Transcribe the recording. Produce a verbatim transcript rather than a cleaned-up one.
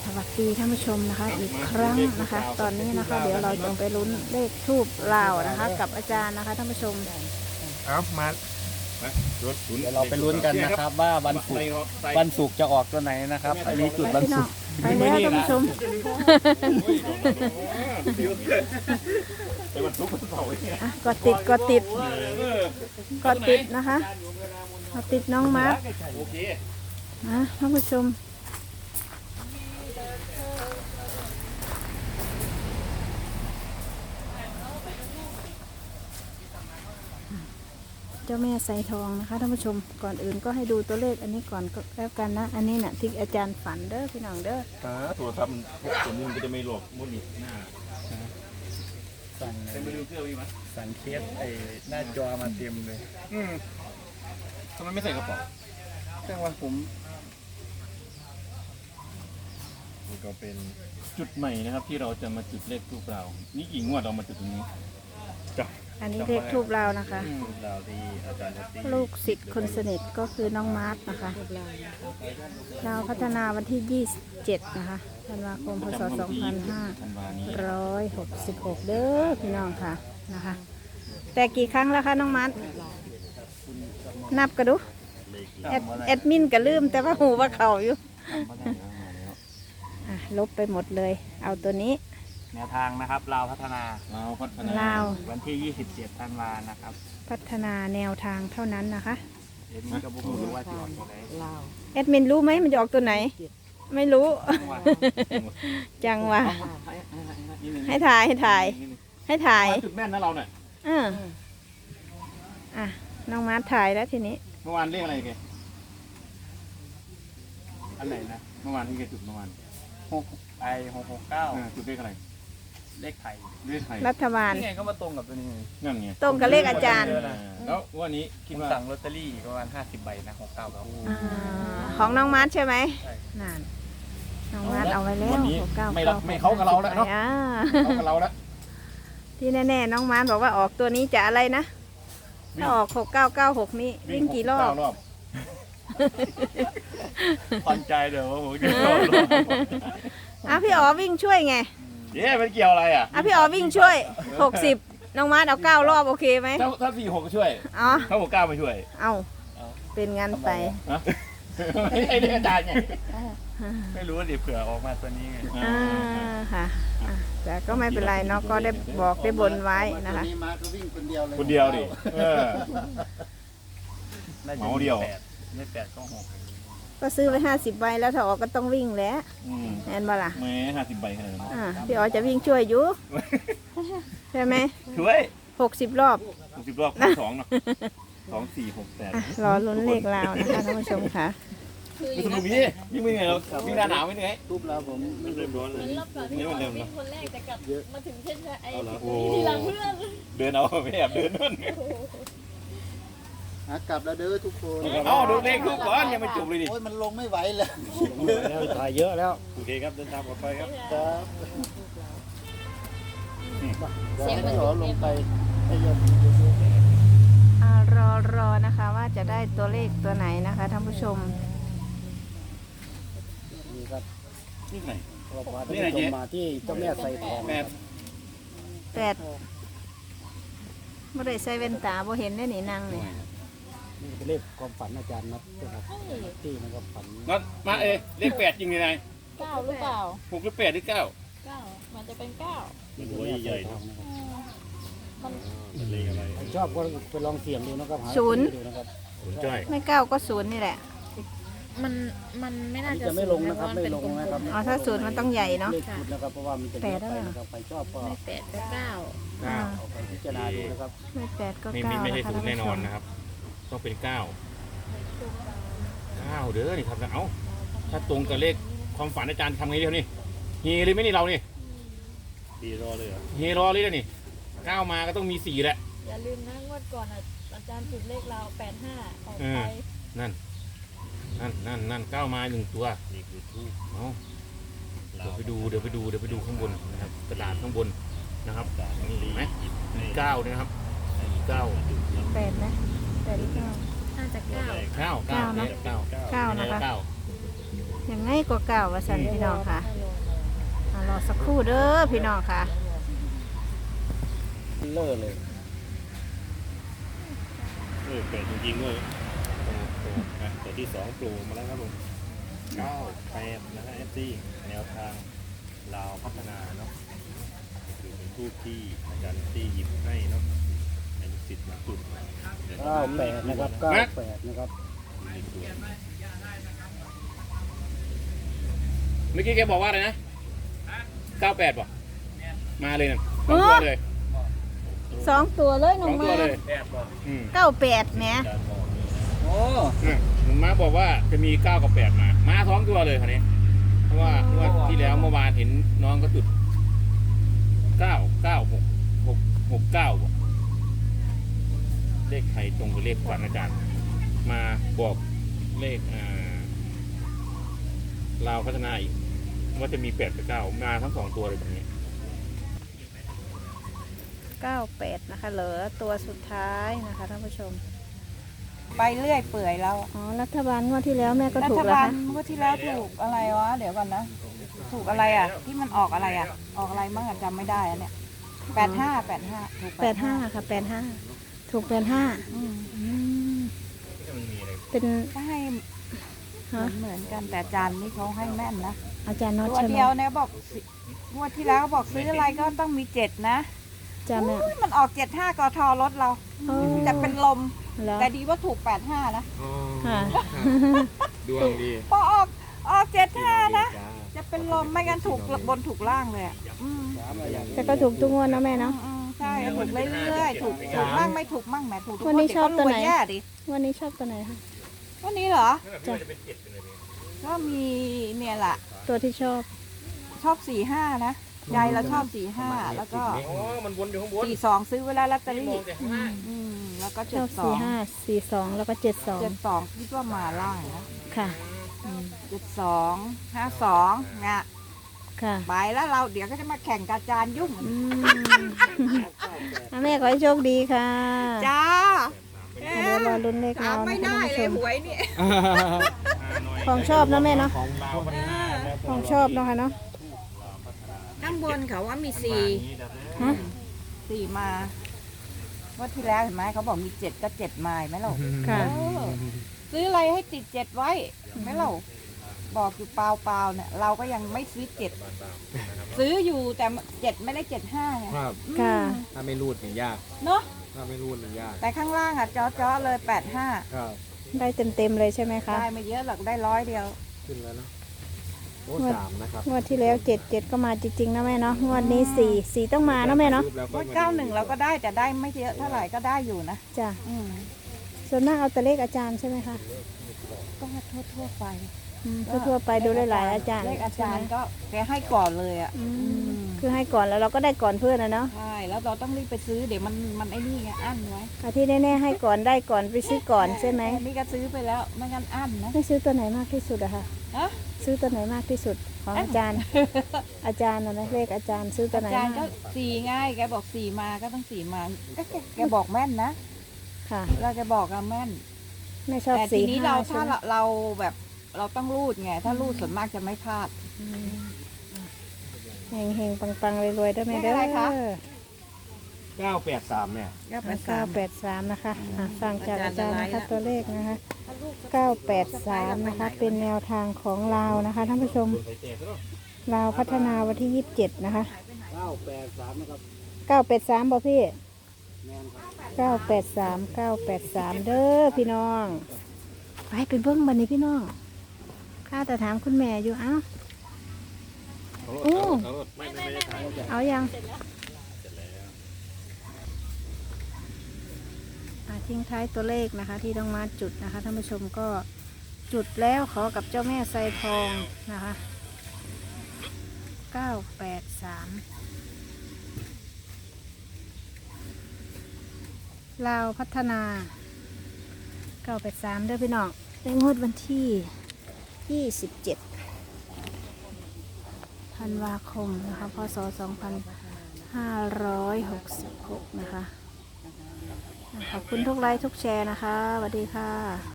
สวัสดีท่านผู้ชมนะคะอีกครั้งนะคะ ตอนนี้นะคะเดี๋ยวเราจะไปลุ้นเลขทูบลาวนะคะ กับอาจารย์นะคะท่านผู้ชมเอามาเดี๋เดี๋ยวเราไปลุ้นกันนะครับว่าวันศุกร์วันศุกร์จะออกตัวไหนนะครับอันนี้จุดไปวันพี่น้ศุองกร์ไปแล้วท่านผู้ชมไปวันศุกร์วันเสาร์เนี่ยอ่ะกดติดกดติดกดติดนะคะกดติดน้องมาร์คโอเคนะท่านผู้ชมเจ้าแม่ไซทองนะคะท่านผู้ชมก่อนอื่นก็ให้ดูตัวเลขอันนี้ก่อนก็แล้วกันนะอันนี้น่ะที่อาจารย์ฝันเด้อพี่น้องเด้อตาตัวทำพวกตัวนี้มันก็จะไม่หลอกมุดนี่หน้าสั่งเป็นไปดูเครื่องมีมั้ยสั่งเคสไอ้หน้าจอมาเต็มเลยอืมทำไมไม่ใส่กระเป๋าแจ้งว่าผมนี่ก็เป็นจุดใหม่นะครับ ที่เราจะมาจุดเลขทูปเรานี่กี่งวดเรามาจุดตรงนี้จ้ะอันนี้เลขทูบเรานะคะดาวที่อาจารย์ตีลูกศิษย์คนสนิทก็คือน้องมาร์ทนะคะเราพัฒนาวันที่ยี่สิบเจ็ดนะคะธันวาคมพศสองพันห้าร้อยหกสิบหกเด้อพี่น้องค่ะนะคะ แต่กี่ครั้งแล้วคะน้องมาร์ทนับกระดูแอดแอดมินก็ลืมแต่ว่าหูว่าเขาอยู่อ่ะลบไปหมดเลย เอาตัวนี้แนวทางนะครับลาวพัฒนาเราพัฒนาลาววันที่ยี่สิบเจ็ดธันวานะครับพัฒนาแนวทางเท่านั้นนะคะเอ็มก็บุกรู้ว่าจะออกตัวไหนแอดมินรู้ไหมมันจะออกตัวไหน ไม่รู้ จังวะให้ถ่ายให้ถ่าย ให้ถ่ายจุดแม่นนะเราเนี่ยเอออ่ะน้องมาร์ทถ่ายแล้วทีนี้เมื่อวานเรียกอะไรแกอันไหนนะเมื่อวานที่แกจุดเมื่อวานหกไอหกหกเก้าอ่าจุดเลขอะไรเลขไทยเลขไทยรัฐบาลนี่ไงก็มาตรงกับตัวนี้ไงนั่นไงตรงกับเลขอาจารย์แล้ววันนี้คิคิดดว่าว่าสั่งลอตเตอรี่ประมาณห้าสิบใบนะหกเก้าแล้วอ่าของน้องมาร์ทใช่ไหมใช่นั่นน้องมาร์ทเอาไว้แล้ววันนี้หกเก้าไม่รับไม่เข้ากับเราแล้วเนาะอ่าเข้ากับเราแล้วที่แน่ๆน้องมาร์ทบอกว่าออกตัวนี้จะอะไรนะถ้าออกหกเก้าเก้าหกนี้วิ่งกี่รอบเก้ารอบพอนใจเดี๋ยวว่าผมจะรอดอ่ะพี่อ๋อวิ่งช่วยไงเย้มันเกี่ยวอะไรอ่ะอ่ะพี่อ๋อวิ่งช่วยหกสิบน้องมาร์ทเอาเก้ารอบโอเคไหมถ้าถ้าสี่หกก็ช่วยอ๋อถ้าหกเก้าไม่ช่วยเอาเป็นงั้นไปนะไม่ใช่เรื่องอาจารย์ไงไม่รู้ว่าเดี๋ยวเผื่อออกมาตัวนี้ไงอ่าค่ะอ่ะแต่ก็ไม่เป็นไรเนาะก็ได้บอกได้บนไว้นะคะนี่มาก็วิ่งคนเดียวเลยคนเดียวดิเออน่าจะเหมาเดียวแปไม่แปดก็หกก็ซื้อไปห้าสิบใบแล้วถ้าออกก็ต้องวิ่งแล้วอืมแอนบ่ล่ะแหม่ห้าสิบใบขนาดนั้นอ่าพี่อ๋อจะวิ่งช่วยอยู่ใช่ไหมช่วยหกสิบรอบหกสิบรอบคูณสองเนาะสองสี่หกแปดอ่ะรอลุ้นเลขลาวนะคะท่านผู้ชมค่ะนี่สนุกดียิ่งไม่เหนื่อยหรอกวิ่งหน้าหนาวไม่เหนื่อยทุบแล้วผมไม่เริ่มร้อนเลยรอบก่อนที่นี่เรามันเริ่มวิ่แล้วงคนแรกแต่กลับมาถึงเส้นชัยไอ้โอ้ทีหลังเพื่อนเดินเอาไม่แอบเดินนั่นหากลับแล้วเด้อทุกคนเอ้าดูเลขทุกก่อนยังไม่จบเลยดิโอ้ยมันลงไม่ไหวเลยแล้วถ่ายเยอะแล้วโอเคครับเดินทางปลอดภัยครับครับเสียงมันขอลงไปให้ยมอ่ารอรอนะคะว่าจะได้ตัวเลขตัวไหนนะคะท่านผู้ชมนี่ครับนี่ไหนเราพาท่านผู้ชมมาที่เจ้าแม่ไซทองแม่แปดไม่ได้ใส่เว้นตาบ่เห็นได้หนินางนี่นี่เป็นเลขความฝันอาจารย์นัดนะครับที่มันก็ฝันนัดมาเอเลขแปดจริงเลยนายเก้าหรือเปล่าหกหรือแปดหรือเก้าเก้ามันจะเป็นเก้านี่เป็นแม่ไซทองนะครับอืมมันเลขอะไรใครชอบก็ไปลองเสี่ยงดูนะครับหาศูนย์ดูนะครับสนใจไม่เก้าก็ศูนย์นี่แหละมันมันไม่อัน่านนี้จะจะไม่ลงนะครับไม่ลงนะครับอ๋อถ้าศูนย์มันต้องใหญ่เนาะเลขชุดนะครับเพราะว่ามันจะเยอะไปนะครับใครชอบก็ไม่แปดก็เก้าอ่าเอาไปพิจารณาดูนะครับไม่แปดก็ไม่เก้าไม่ใช่นะคะศูนท่านย์แน่ผู้นชอนมนะครับ ต้องเป็นเก้าเก้าเด้อนี่ครับเอ้าถ้าตรงกับเลขความฝันอาจารย์ทำไงเดียวนี่เฮเลยไหมนี่เรานี่ดีรอเลยเหรอเฮรอเลยนะนี่เก้ามาก็ต้องมีสี่แหละอย่าลืมนะงวดก่อนอ่ะอาจารย์จุดเลขเราแปดห้าออกเอไปอ นั่นนั่นนั่นนั่นเก้ามาหนึ่งตัวนี่คือทูบเอาเดี๋ยวไปดูเดี๋ยวไปดูเดี๋ยวไปดูข้างบนนะครับกระดาษข้างบนนะครับนี่เห็นไหมมีเก้าเนี่ยนะครับมีเก้าแปดนะแปดหรือเก้าน่าจะเก้าเก้าเก้าเก้านะเนี่ยเก้าเก้านะคะเก้ายังไงก็เก่าวว่าสันพี่น้องค่ะอ่ารอสักครู่เด้อพี่น้องค่ะเลิศเลยเออเปิดจริงๆด้วยโอ้โหอ่ะตัวที่สองโปรมาแล้วครับผมเก้าแปดนะฮะเอฟซีแนวทางลาวพัฒนาเนาะคือเป็นทูปที่อาจารย์ที่หยิบให้เนาะให้ลูกศิษย์มาจุดเก้าแปดนะครับเก้าแปดนะครับเมื่อกี้แกบอกว่าอะไรนะเก้าแปดบอกมาเลยนะสองตัวเลยสองตัวเลยสน้อองงตัวมาเลยอืมเก้าแปดแหมโอ้อ่ะหนุ่มม้าบอกว่าจะมีเก้ากับแปดมา มาสองตัวเลยคันนี้ เพราะว่าเมื่อที่แล้วเมื่อวานเห็นน้องก็จุดเก้าเก้าหกหกหกเก้าเลขไทยตรงกับเลขฝันอาจารย์ มาบอกเลขอ่าลาวพัฒนาอีกว่าจะมีแปดกับเก้ามาทั้งสองตัวเลยแบบนี้เก้าแปดนะคะเหลือตัวสุดท้ายนะคะท่านผู้ชมไปเรื่อยเปื่อยแล้วอะอ๋อรัฐบาลงวดที่แล้วแม่ก็รัถูฐกแล้วบาลคะเมื่อที่แล้วถูกอะไรวะ เดี๋ยวก่อนนะ ถูกอะไรอ่ะ ที่มันออกอะไรอ่ะ ออกอะไรมั่งอะจำไม่ได้อะเนี่ยแปดห้าแปดห้าถูกแปดห้าค่ะแปดห้าถูกแปดห้าอืมอืมมันมีอะไรเป็นก็ให้ฮะเหมือนกันแต่อาจารย์นี่เขาให้แม่นนะอาจารย์น็อตตัวใช่ไหมเดียวเนี่ยบอกสิงวดที่แล้วบอกซื้ออะไรก็ต้องมีเจ็ดนะจำแม่อุ๊ยมันออกเจ็ดห้ากทรถเราโอ้แต่เป็นลมแล้วแต่ดีว่าถูกแปดห้านะค่ะดวงดีพอออกออกเจ็ดห้านะ จะเป็นลมไม่งั้นถูกบนถูกล่างเลยอ่ะอืมแต่ก็ถูกทุกงวดเนาะแม่เนาะอืมใช่ถูกเรื่อยๆถูกถูกมั่งไม่ถูกมั่งแหมถูกทุกวันนี้เดี๋ยชอบตัวไหนก็รยแย่ดิวันนี้ชอบตัวไหนคะวันนี้เหรอจ้ะก็มีเนี่ยแหละตัวที่ชอบชอบสี่ห้านะยายเราชอบสี่ห้าแล้วก็อ๋อ มันวนอยู่ข้างบนสี่สองซื้อเวลาลอตเตอรี่มองแต่ข้างล่างอืมแล้วก็ชเจ็อดบสอสี่งห้าสี่สองแล้วก็เจ็ดสองเจ็ดสองคิดว่ามาล่างนะค่ะเจ็ดสองห้าสองงะค่ะไปแล้วเราเดี๋ยวก็จะมาแข่งกับอาจารย์ยุ่งอืมอ่ะแม่ขอให้โชคดีค่ะจ้าเดี๋ยวรอลุ้นเลขถาเรามไม่นะคะได้ท่านผู้ชมเลยหวยนี่ของชอบเนาะแม่เนาะของลาวพัฒนาแล้วของชอบเนาะค่ะเนาะข้างบนเขาว่ามีสี่ฮะสี่มาว่าที่แล้วเห็นไหมเขาบอกมีเจ็ดก็เจ็ดไม้ไหมเราค่ะเออซื้ออะไรให้ติดเจ็ดไว้เห็นไหมเราบอกอยู่เปล่าๆเนี่ย เราก็ยังไม่ซื้อเจ็ดซื้ออยู่แต่เจ็ดไม่ได้เจ็ดห้าไงครับอืมค่ะถ้าไม่รูดเนี่ยยากเนาะถ้าไม่รูดเนี่ยยากแต่ข้างล่างอ่ะจ้อๆเลยแปดห้าครับได้เต็มเต็มๆเลยใช่ไหมคะได้ไม่เยอะหรอกได้ร้อยเดียวขึ้นแล้วเนาะโอ้สามนะครับงวดที่แล้วเจ็ดเจ็ดก็มาจริงๆนะแม่เนาะงวดนี้สี่สี่ต้องมาเนาะแม่เนาะรูปแล้วว่าเก้าหนึ่งเราก็ได้แต่ได้ไม่เยอะเท่าไหร่ก็ได้อยู่นะจ้ะอืมส่วนมากเอาแต่เลขอาจารย์ใช่ไหมคะก็ทั่วทั่วๆไปอืมทั่วๆไปดูหลายๆอาจารย์เลขอาใช่จาไหมรย์ก็แกให้ก่อนเลยอ่ะอืมคือให้ก่อนแล้วเราก็ได้ก่อนเพื่อนนะเนาะใช่แล้วเราต้องรีบไปซื้อเดี๋ยวมันมันไอ้นี่ไงอั้นไว้อาที่แน่ๆให้ก่อนได้ก่อนไปซื้อก่อนใช่ไหมอันนี่ก็ซื้อไปแล้วไม่งั้นอั้นนะให้ซื้อตัวไหนมากที่สุดอะคะฮะซื้อตัวไหนมากที่สุดของอาจารย์ อาจารย์นะนะเลขอาจารย์ซื้อตัวอาไหนจารย์ก็มากสี่ง่ายแกบอกสี่มาก็ต้องสี่มาก็แกแกบอกแม่นนะค่ะเราจะบอกอะแม่นไม่ชอบแต่ทีสี่นี้ห้าเราใช่ถ้าไหมเราเราแบบเราต้องรูดไงถ้ารูดส่วนมากจะไม่พลาดเฮงเฮงๆปังๆรวยๆได้ไหมเลเด้ขอะไรคะอเก้าแปดสามเนี่ยก็ไปเก้าสามแปดสามนะคะอ่ะฟังจากอาจารย์นะอาจารย์ละลายคะละตัวเลขนะคะเก้าแปดสามนะคะ เป็นแนวทางของลาวนะคะท่านผู้ชมลาวพัฒนาวันที่ยี่สิบเจ็ดนะคะเก้าแปดสามนะครับเก้าแปดสามบ่พี่แมนครับเก้าแปดสามเก้าแปดสามเด้อพี่น้องไปไปเบิ้งบันนี้พี่น้องข้าแต่ถามคุณแม่อยู่เอ้า โอ้ไม่ไม่ไม่ได้ถ่ายเอายังอ่ะทิ้งท้ายตัวเลขนะคะ ที่ต้องมาจุดนะคะท่านผู้ชมก็จุดแล้วขอกับเจ้าแม่ไซทองนะคะเก้าแปดสามลาวพัฒนาเก้าแปดสามเด้อพี่น้องในงวดวันที่ยี่สิบเจ็ดธันวาคมนะคะพศสองพันห้าร้อยหกสิบหกนะคะขอบคุณทุกไลค์ทุกแชร์นะคะสวัสดีค่ะ